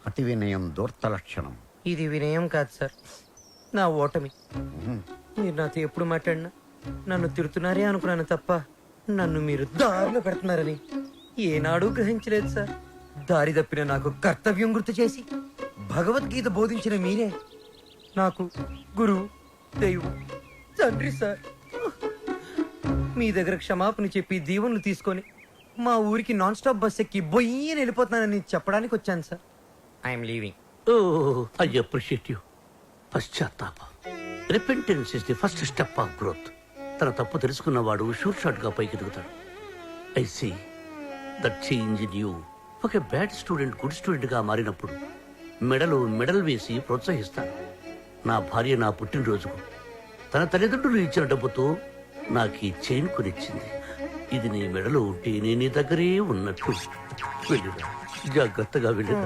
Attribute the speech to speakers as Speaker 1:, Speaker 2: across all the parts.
Speaker 1: అతి వినయం దూర్త లక్షణం.
Speaker 2: ఇది వినయం కాదు సార్, నా ఓటమి. మీరు నాతో ఎప్పుడు మాట్లాడినా నన్ను తిడుతున్నారే అనుకున్నాను తప్ప నన్ను మీరు దారిలో పెడుతున్నారని ఏనాడూ గ్రహించలేదు సార్. దారి తప్పిన నాకు కర్తవ్యం గుర్తు చేసి భగవద్గీత బోధించిన మీరే నాకు గురువు, దైవం, తండ్రి సార్. మీ దగ్గర క్షమాపణ చెప్పి దీవెనలు తీసుకొని మా ఊరికి నాన్ స్టాప్ బస్ ఎక్కి బొయ్యని వెళ్ళిపోతున్నానని చెప్పడానికి వచ్చాను sir. I'm leaving.
Speaker 3: I appreciate you. పశ్చాత్తాపం, repentance is the first step of growth. తన తప్పు తెలుసుకున్నవాడు షూర్ షాట్ గా పైకి ఎదుగుతాడు. I see that change in you. ఒక బ్యాడ్ స్టూడెంట్ గుడ్ స్టూడెంట్ గా మారినప్పుడు మెడల్ వేసి ప్రోత్సహిస్తాను. నా భార్య నా పుట్టినరోజుకు తన తల్లిదండ్రులు ఇచ్చిన డబ్బుతో నాకు ఈ చైన్ కొనిచ్చింది. ఇది నీ మెడలో ఉంటే నేను నీ దగ్గరే ఉన్నట్టు. వెళ్ళిరా, జాగ్రత్తగా వెళ్ళిరా.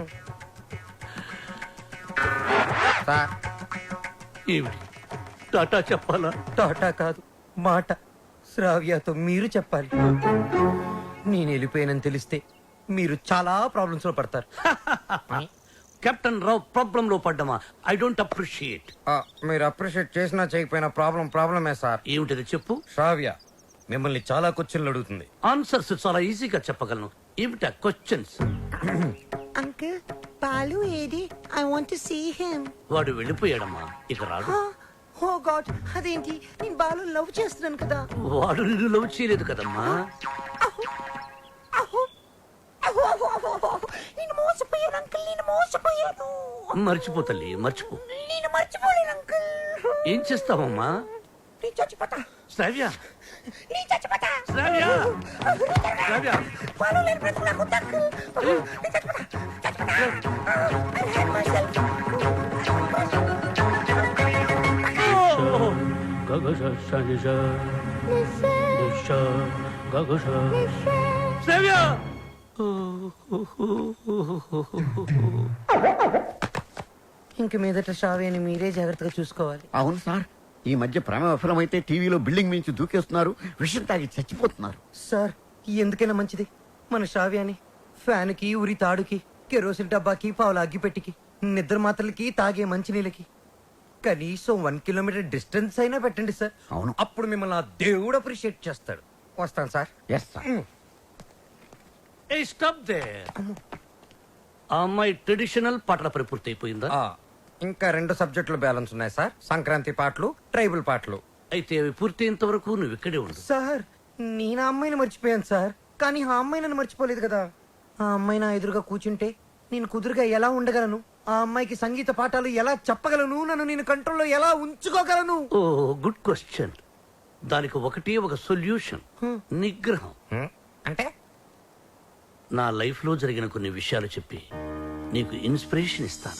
Speaker 3: ఏమిటి టాటా చెప్పాలా?
Speaker 2: టాటా కాదు, మాట. శ్రావ్యతో మీరు చెప్పాలి. నేను వెళ్ళిపోయానని తెలిస్తే మీరు చాలా ప్రాబ్లమ్స్ లో పడతారు.
Speaker 3: కెప్టెన్ రావు ప్రాబ్లం లో పడ్డమా? I don't appreciate.
Speaker 2: మీరు అప్రిషియేట్ చేసినా చేయకపోయినా ప్రాబ్లమే సార్.
Speaker 3: ఏమిటది చెప్పు.
Speaker 2: శ్రావ్య మిమ్మల్ని చాలా క్వశ్చన్లు అడుగుతుంది.
Speaker 3: ఆన్సర్స్ చాలా ఈజీగా చెప్పగలను. ఏమిటా క్వశ్చన్స్?
Speaker 4: అంకుల్, బాలు ఏది? I want to see him.
Speaker 3: వాడు వెళ్ళిపోయాడమ్మా, ఇక రాడు.
Speaker 4: ఓ గాడ్, అదేంటి? నేను బాలు లవ్ చేస్తున్నాను కదా.
Speaker 3: వాడు నిన్ను లవ్ చేయలేదు కదమ్మా.
Speaker 4: నేను మోసపోయాను అంకుల్, నేను మోసపోయాను.
Speaker 3: మర్చిపో తల్లి, మర్చిపో.
Speaker 4: నేను మర్చిపోలేను అంకుల్.
Speaker 3: ఏం చేస్తావమ్మా?
Speaker 4: నేను చచ్చిపోతా.
Speaker 3: శ్రావ్య,
Speaker 4: నేను చచ్చిపోతా.
Speaker 3: శ్రావ్య, శ్రావ్య.
Speaker 4: బాలు లేని బ్రతుకు నాకు వద్దు అంకుల్. నేను చచ్చిపోతా, చచ్చిపోతా. I hate myself.
Speaker 3: శ్రావ్య.
Speaker 2: ఇంక మీదట శ్రావ్యని మీరే జాగ్రత్తగా చూసుకోవాలి.
Speaker 1: అవును సార్, ఈ మధ్య ప్రేమ విఫలమైతే టీవీలో బిల్డింగ్ మించి దూకేస్తున్నారు, విషయం తాగి చచ్చిపోతున్నారు.
Speaker 2: సార్ ఎందుకైనా మంచిది మన శ్రావ్యాన్ని ఫ్యాన్కి, ఉరి తాడుకి, కెరోసిన్ డబ్బాకి, పావుల అగ్గిపెట్టికి, నిద్ర మాత్రలకి, తాగే మంచినీళ్ళకి కనీసం 1 కిలోమీటర్ డిస్టెన్స్ అయినా పెట్టండి సార్.
Speaker 1: అవును.
Speaker 2: అప్పుడు మిమ్మల్ని ఆ దేవుడు అప్రిషియేట్ చేస్తాడు. వస్తాను sir.
Speaker 1: Yes sir.
Speaker 3: Hey stop there. ఆ అమ్మాయి ట్రెడిషనల్ పాటల పని పూర్తి అయిపోయిందా?
Speaker 2: ఇంకా 2 సబ్జెక్టులు బ్యాలెన్స్ ఉన్నాయి సార్. సంక్రాంతి పాటలు, ట్రైబల్ పాటలు.
Speaker 3: అయితే అవి పూర్తయ్యేంత వరకు నువ్వు ఇక్కడే ఉండు.
Speaker 2: సార్ నేను ఆ అమ్మాయిని మర్చిపోయాను సార్, కానీ ఆ అమ్మాయి నన్ను మర్చిపోలేదు కదా. ఆ అమ్మాయి నా ఎదురుగా కూర్చుంటే నేను కుదురుగా ఎలా ఉండగలను? ఆ అమ్మాయికి సంగీత పాఠాలు ఎలా చెప్పగలను? నన్ను నేను కంట్రోల్లో ఎలా ఉంచుకోగలను?
Speaker 3: ఓ గుడ్ క్వశ్చన్. దానికి ఒకటే ఒక సొల్యూషన్, నిగ్రహం.
Speaker 2: అంటే
Speaker 3: నా లైఫ్ లో జరిగిన కొన్ని విషయాలు చెప్పి నీకు ఇన్స్పిరేషన్ ఇస్తాను.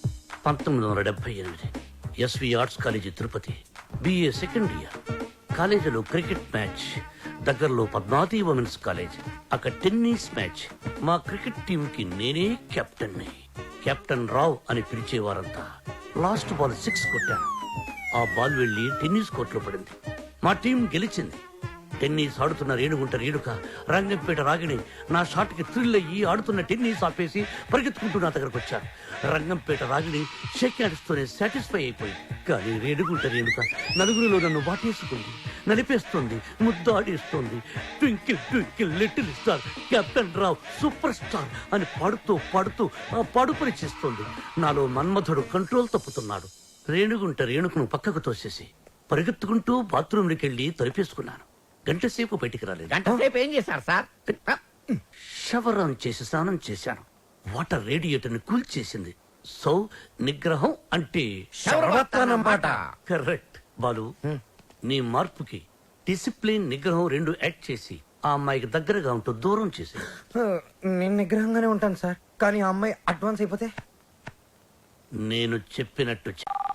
Speaker 3: 1978 SV arts college Tirupati, BA second year. కాలేజీలో క్రికెట్ మ్యాచ్, దగ్గరలో పద్మావతి ఉమెన్స్ కాలేజ్. అక్కడ టెన్నిస్ మ్యాచ్. మా క్రికెట్ టీం కి నేనే కెప్టెన్ ని. కెప్టెన్ రావ్ అని పిలిచేవారంతా. లాస్ట్ బాల్ 6 కొట్టాను. ఆ బాల్ వెళ్లి టెన్నిస్ కోర్టులో పడింది. మా టీం గెలిచింది. టెన్నిస్ ఆడుతున్న రేణుగుంట రేణుక, రంగంపేట రాగిణి నా షాట్ కి థ్రిల్ అయ్యి ఆడుతున్న టెన్నిస్ ఆపేసి పరిగెత్తుకుంటూ నా దగ్గరకు వచ్చారు. రంగంపేట రాగిణి షేక్ హ్యాండ్స్తోనే సాటిస్ఫై అయిపోయింది. కానీ రేణుగుంట రేణుక నలుగురిలో నన్ను వాటేసుకుంది, నలిపేస్తుంది, ముద్దాడేస్తుంది. Twinkle twinkle little star, captain Rao superstar అని పాడుతూ పాడుతూ ఆ పాడుపని చేస్తుంది. నాలో మన్మధుడు కంట్రోల్ తప్పుతున్నాడు. రేణుగుంట రేణుకను పక్కకు తోసేసి పరిగెత్తుకుంటూ బాత్రూంలోకి వెళ్లి తలిపేసుకున్నాను. గంట సేపు బయటికి రాలేదు.
Speaker 1: గంట సేపు ఏం చేశారు సార్?
Speaker 3: షవర్ ఆన్ చేసి స్నానం చేశాను. వాటర్ రేడియేటర్ ని కూల్ చేసింది. సో నిగ్రహం అంటే
Speaker 2: శరవత్తనమాట.
Speaker 3: కరెక్ట్. బాలు, నీ మార్పుకి డిసిప్లిన్, నిగ్రహం 2 యాడ్ చేసి ఆ అమ్మాయికి దగ్గరగా ఉంటూ దూరం చేసి.
Speaker 2: నేను నిగ్రహంగానే ఉంటాను సార్, కానీ ఆ అమ్మాయి అడ్వాన్స్ అయిపోతే?
Speaker 3: నేను చెప్పినట్టు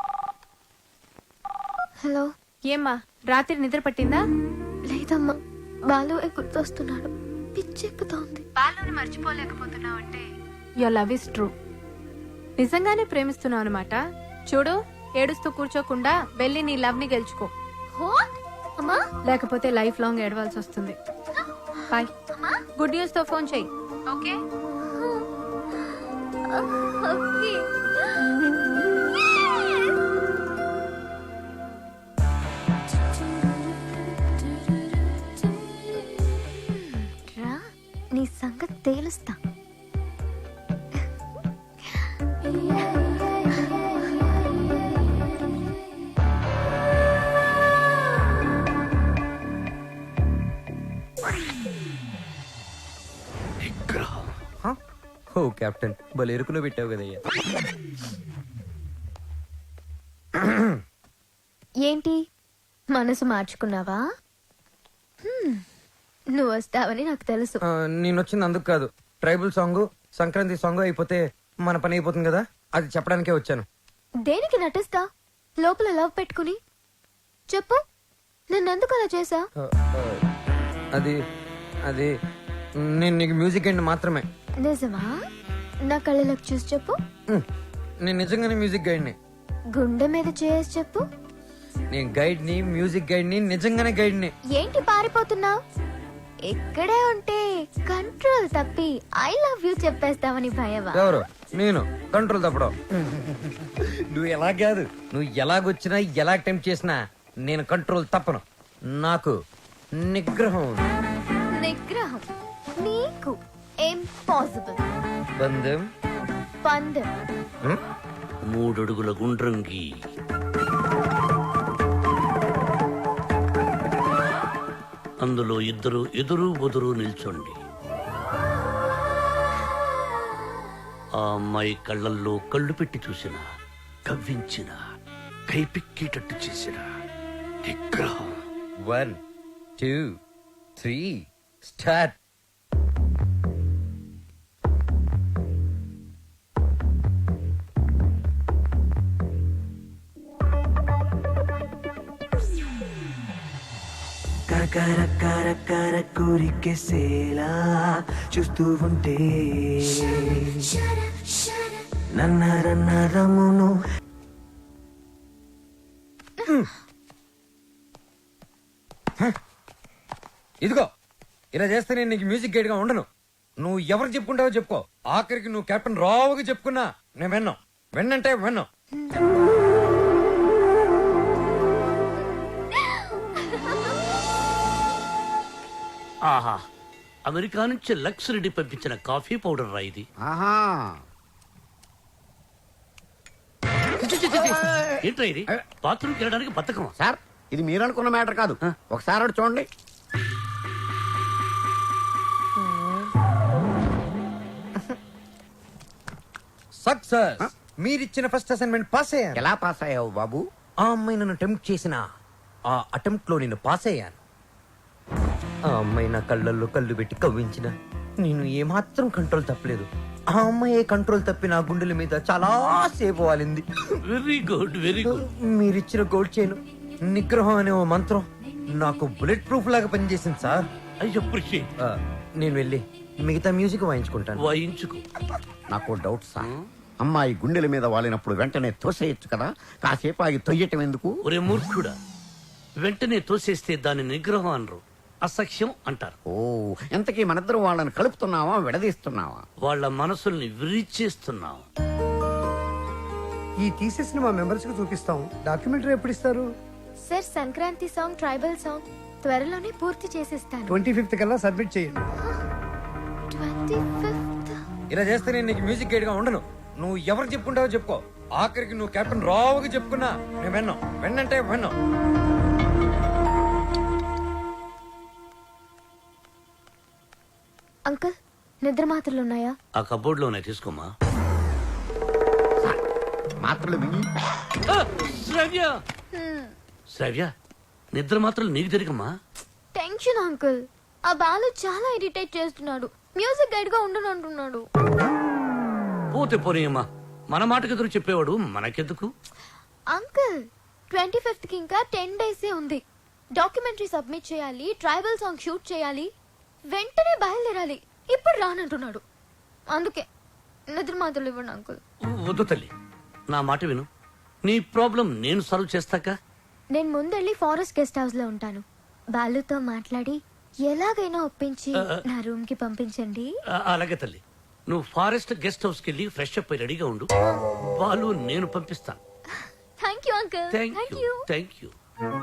Speaker 5: హలో.
Speaker 6: ఏమ్మా రాత్రి నిద్ర పట్టిందా?
Speaker 5: లేదమ్మా, బాలు గుర్తొస్తున్నాడు, పిచ్చెక్కుతోంది.
Speaker 6: బాలుని మర్చిపోలేకపోతున్నావు అంటే యువర్ లవ్ ఇస్ ట్రూ. నిజంగానే ప్రేమిస్తున్నావు అనమాట. చూడు, ఏడుస్తూ కూర్చోకుండా వెళ్ళి నీ లవ్ ని గెలుచుకో.
Speaker 5: అమ్మా,
Speaker 6: లేకపోతే లైఫ్ లాంగ్ ఏడవాల్సి వస్తుంది. బాయ్. గుడ్ న్యూస్ తో ఫోన్ చెయ్యి. ఓకే.
Speaker 5: Okay. రా నీ సంగతి తేలుస్తా.
Speaker 3: నిగ్రహం.
Speaker 2: ఓ కెప్టెన్ భలే ఎరుకులో పెట్టావు కదయ్యా.
Speaker 5: ఏంటి మనసు మార్చుకున్నావా? నువ్వు వస్తావని నాకు తెలుసు.
Speaker 2: నేను వచ్చింది అందుకు కాదు. ట్రైబల్ సాంగ్ సంక్రాంతి సాంగ్ అయిపోతే మన పని అయిపోతుంది కదా, అది చెప్పడానికే వచ్చాను.
Speaker 5: దేనికి నటిస్తా లోపల లవ్ పెట్టుకుని? చెప్పు, నన్నెందుకు అలా చేసా?
Speaker 2: ఆ, ఆ, అది అది నేను నీకు మ్యూజిక్ అండ్ మాత్రమే.
Speaker 5: నిజమా? నా కళ్ళలోకి చూసి చెప్పు.
Speaker 2: నేను నిజంగానే మ్యూజిక్ గైడ్ని.
Speaker 5: గుండె మీద చేసి చెప్పు.
Speaker 2: నేను గైడ్ని, మ్యూజిక్ గైడ్ని, నిజంగానే గైడ్ని.
Speaker 5: ఏంటి పారిపోతున్నావు? ఇక్కడే ఉంటే కంట్రోల్ తప్పి ఐ లవ్ యూ చెప్పేస్తావని భయమా?
Speaker 2: ఎవరు? నేను కంట్రోల్ తప్పడం. నువ్వు ఎలా కాదు, నువ్వు ఎలాగొచ్చినా ఎలా అటెంప్ట్ చేసినా నేను కంట్రోల్ తప్పను. నాకు నిగ్రహం ఉంది.
Speaker 5: నిగ్రహం నీకు ఇంపాసిబుల్.
Speaker 2: బంధం
Speaker 5: పందెం
Speaker 3: 3 అడుగుల గుండ్రంగి. అందులో ఇద్దరు ఎదురు బొదురు నిల్చోండి. ఆ అమ్మాయి కళ్ళల్లో కళ్ళు పెట్టి చూసిన, కవ్వించిన, కైపిక్కేటట్టు చేసిన నిగ్రహం.
Speaker 2: 1 2 3 స్టార్ట్.
Speaker 7: కరకర కోరికేసేలా చూస్తూ ఉంటే నన్నరమును.
Speaker 2: ఇదిగో ఇలా చేస్తే నేను నీకు మ్యూజిక్ గైడ్ గా ఉండను. నువ్వు ఎవరు చెప్పుకుంటావో చెప్పుకో. ఆఖరికి నువ్వు కెప్టెన్ రావుగా చెప్పుకున్నా నేను విన్నాం. విన్నంటే విన్నాం.
Speaker 3: ఆహా, అమెరికా నుంచి లక్స్ రెడ్డి పంపించిన కాఫీ పౌడర్ రా ఇది.
Speaker 1: ఆహా,
Speaker 3: ఏంట్రా ఇది? బాత్రూమ్కి వెళ్ళడానికి బతకమా?
Speaker 1: సార్ ఇది మీరు అనుకున్న మ్యాటర్ కాదు. ఒకసారి అటు చూడండి.
Speaker 2: సక్సెస్. మీరిచ్చిన ఫస్ట్ అసైన్మెంట్ పాస్ అయ్యాను.
Speaker 1: ఎలా పాస్ అయ్యావు బాబు?
Speaker 2: ఆ అమ్మాయి నన్ను అటెంప్ట్ చేసిన ఆ అటెంప్ట్ లో నేను పాస్ అయ్యాను. ఆ అమ్మాయి నా కళ్ళల్లో కళ్ళు పెట్టి కవ్వించిన నేను ఏమాత్రం కంట్రోల్ తప్పలేదు. ఆ అమ్మాయి కంట్రోల్ తప్పి నా గుండెల మీద చాలా సేపు వాలింది.
Speaker 3: Very good, very good.
Speaker 2: మీరిచ్చిన గోల్డ్ చైన్ నిగ్రహం అనే ఓ మంత్రం నాకు బుల్లెట్ ప్రూఫ్ లాగా పనిచేసింది సార్.
Speaker 3: I appreciate.
Speaker 2: నేను వెళ్ళి మిగతా మ్యూజిక్ వాయించుకుంటాను.
Speaker 3: వాయించుకో.
Speaker 1: నాకు డౌట్ సార్. అమ్మాయి గుండెల మీద వాలినప్పుడు వెంటనే తోసేయచ్చు కదా, కాసేపు ఆగి తొయ్యటం ఎందుకు?
Speaker 3: ఒరే మూర్ఖుడా, వెంటనే తోసేస్తే దాని నిగ్రహం అనరు, అసఖ్యం అంటారు.
Speaker 1: ఓ, ఎంతకీ మనిద్దరం వాళ్ళని కలుపుతున్నావా విడదీస్తున్నావా?
Speaker 3: వాళ్ళ మనసుల్ని విరిచేస్తున్నాం.
Speaker 8: ఈ థీసిస్ ని మా మెంబర్స్ కు చూపిస్తాం. డాక్యుమెంటరీ ఎప్పుడు ఇస్తారు?
Speaker 5: Sir Sankranti song, tribal song త్వరలోనే పూర్తి చేసేస్తాను.
Speaker 8: 25th కల్లా సబ్మిట్ చేయండి.
Speaker 5: 25th?
Speaker 2: ఇలా చేస్తే నేను నీకు మ్యూజిక్ గైడ్ గా ఉండను. నువ్వు ఎవరు చెప్పుకుంటావో చెప్పుకో. ఆఖరికి నువ్వు కెప్టెన్ రావుగా చెప్పుకున్నా నేను విన్నాం. విన్నంటే విన్నాం.
Speaker 5: అంకుల్, నిద్ర మాత్రలు ఉన్నాయా?
Speaker 3: ఆ కబోర్డ్ లోనే తీసుకోమా.
Speaker 1: మాత్రలు మింగి
Speaker 3: శ్రవ్య, శ్రవ్య, నిద్ర మాత్రం నీకు తిరిగమ్మా.
Speaker 5: Tension uncle. ఆ బాలు చాలా ఇరిటేట్ చేస్తున్నాడు. మ్యూజిక్ గైడ్ గా ఉండను అంటున్నాడు.
Speaker 3: పోతే పోనీయమ్మా, మన మాటకు ఎదురు చెప్పేవాడు మనకెందుకు?
Speaker 5: అంకుల్, 25th కి ఇంకా 10 days ఉంది. డాక్యుమెంటరీ సబ్మిట్ చేయాలి, ట్రైబల్ సాంగ్ షూట్ చేయాలి, వెంటనే బయలుదేరాలి. ఇప్పుడు రానంటున్నాడు. అందుకే నిద్ర మాత్రలు ఇవ్వండి అంకుల్.
Speaker 3: వద్దు తల్లి, నా మాట విను. నీ ప్రాబ్లం నేను సాల్వ్ చేస్తాక.
Speaker 5: నేను ముందెళ్ళి ఫారెస్ట్ గెస్ట్ హౌస్ లో ఉంటాను. బాలుతో మాట్లాడి ఎలాగైనా ఒప్పించి నా రూమ్ కి పంపించండి.
Speaker 3: అలాగే తల్లి. నువ్వు ఫారెస్ట్ గెస్ట్ హౌస్ కి వెళ్ళి ఫ్రెష్ అప్ అయి రెడీగా ఉండు. వాళ్ళు నేను పంపిస్తాను.
Speaker 5: Thank you uncle.
Speaker 3: Thank you thank you.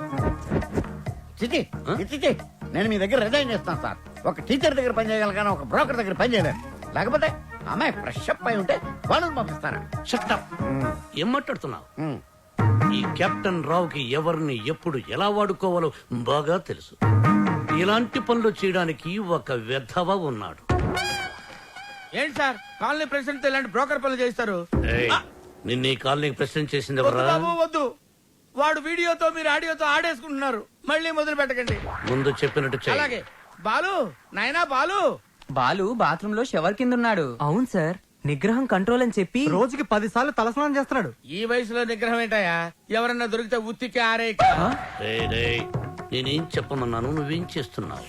Speaker 1: చిచి చిచి నేను మీ దగ్గర రిజైన్ చేస్తాను సార్. ఒక టీచర్ దగ్గర పని చేయగలను కానీ ఒక బ్రోకర్ దగ్గర పని చేయలేను. లేకపోతే అమ్మాయి ఫ్రెష్ అప్ అయి ఉంటే వాళ్ళని పంపిస్తాను.
Speaker 3: Shut up. ఏం మాట్లాడుతున్నావు? ఈ కెప్టెన్ రావుకి ఎవరిని ఎప్పుడు ఎలా వాడుకోవాలో బాగా తెలుసు. ఇలాంటి పనులు చేయడానికి ఒక వెధవ ఉన్నాడు.
Speaker 9: ఏంటి సార్ కాలనీ ప్రెసిడెంట్ ఇలాంటి బ్రోకర్ పనులు చేస్తారు?
Speaker 3: ఏయ్, నిన్న ఈ కాలనీకి ప్రెసిడెంట్ చేసింది
Speaker 9: వద్దు
Speaker 3: ఎవరా?
Speaker 9: బాబు వద్దు. వాడు వీడియోతో మీరు ఆడియోతో ఆడేసుకుంటున్నారు. మళ్ళీ మొదలు పెట్టకండి.
Speaker 3: ముందు చెప్పినట్టు చెయ్యి.
Speaker 9: అలాగే. బాలు నాయనా బాలు.
Speaker 10: బాలు బాత్రూమ్ లో షవర్ కింద ఉన్నాడు.
Speaker 2: అవును సార్, నిగ్రహం కంట్రోల్ అని చెప్పి
Speaker 8: రోజుకి 10 సార్లు తలస్నానం చేస్తున్నాడు.
Speaker 9: ఈ వయసులో నిగ్రహం ఏంటయ్యా? ఎవరన్నా దొరికితే ఉత్తికి ఆరే.
Speaker 3: రేయ్, రేయ్, నేనేం చెప్పమన్నాను, నువ్వేం చేస్తున్నావు?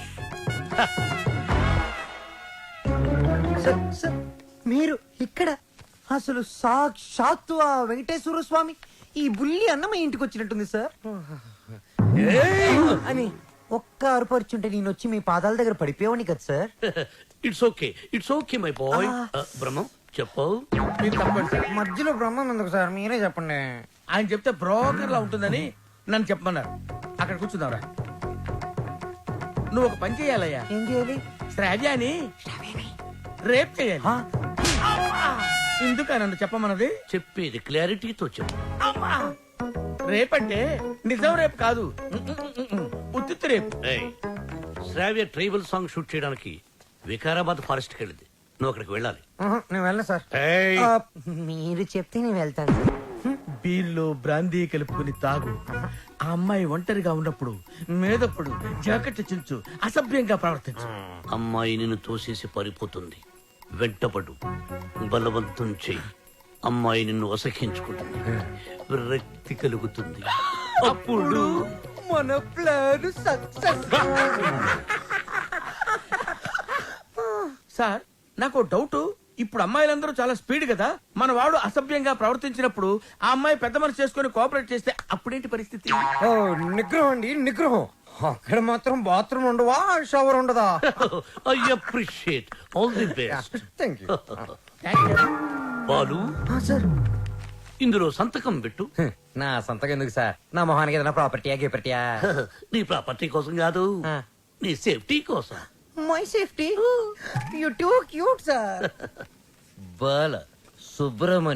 Speaker 2: సార్, మీరు ఇక్కడ అసలు సాక్షాత్తు ఆ వెంకటేశ్వర స్వామి ఈ బుల్లి అన్నమయ్య ఇంటికి వచ్చినట్టుంది సార్ అని ఒక్క అరుపరుచుంటే నేను వచ్చి మీ పాదాల దగ్గర పడిపోయావని కదా sir.
Speaker 3: It's okay my boy. Brahmam చెప్పు.
Speaker 9: మీరు తప్పండి సార్.
Speaker 2: మధ్యలో బ్రహ్మం ఎందుకు సార్, మీరే చెప్పండి.
Speaker 9: ఆయన చెప్తే బ్రోకర్ లా ఉంటుందని నన్ను చెప్పమన్నారు. అక్కడ కూర్చుందాంరా. నువ్వు ఒక పని చేయాలయ్యా.
Speaker 2: ఏం చేయాలి?
Speaker 9: శ్రావ్యాని రేప్ చేయాలి. ఎందుక నన్ను చెప్పమన్నది?
Speaker 3: చెప్పేది క్లారిటీతో చెప్పు.
Speaker 9: రేపంటే నిజం రేపు కాదు, ఉత్తిత్తు రేపు.
Speaker 3: ఏయ్, శ్రావ్య ట్రైబల్ సాంగ్ షూట్ చేయడానికి వికారాబాద్ ఫారెస్ట్ కి వెళ్ళింది. నువ్వు అక్కడికి వెళ్ళాలి.
Speaker 2: నేను వెళ్ళను సార్.
Speaker 3: ఏయ్,
Speaker 2: మీరు చెప్తే నేను వెళ్తాను.
Speaker 9: బీర్లో బ్రాందీ కలుపుకుని తాగు. ఆ అమ్మాయి ఒంటరిగా ఉన్నప్పుడు మేదప్పుడు జాకెట్ చించు, అసభ్యంగా ప్రవర్తించు.
Speaker 3: అమ్మాయి నిన్ను తోసేసి పారిపోతుంది. వెంటపడు, బలవంతం చెయ్యి. అమ్మాయి నిన్ను అసహించుకుంటుంది, విరక్తి కలుగుతుంది. అప్పుడు
Speaker 2: మన ప్లాన్ సక్సెస్.
Speaker 9: సార్ నాకు డౌట్. ఇప్పుడు అమ్మాయిలందరూ చాలా స్పీడ్ కదా. మన వాడు అసభ్యంగా ప్రవర్తించినప్పుడు ఆ అమ్మాయి పెద్ద మనసు చేసుకుని కోఆపరేట్ చేస్తే అప్పుడేంటి పరిస్థితి?
Speaker 2: ఓ, నిగ్రహం అండి, నిగ్రహం. అక్కడ మాత్రం బాత్రూమ్ ఉండవా, షవర్ ఉండదా?
Speaker 3: I appreciate. All the best.
Speaker 2: Thank you.
Speaker 3: Balu,
Speaker 2: sir,
Speaker 3: ఇందులో సంతకం పెట్టు.
Speaker 2: నా సంతకం ఎందుకు సార్? నా మొహానికి ఏదైనా ప్రాపర్టీయా గిపర్టీయా?
Speaker 3: నీ ప్రాపర్టీ కోసం కాదు, నీ సేఫ్టీ కోసం.
Speaker 2: My safety. You too cute sir. Bala Subrahmanyam.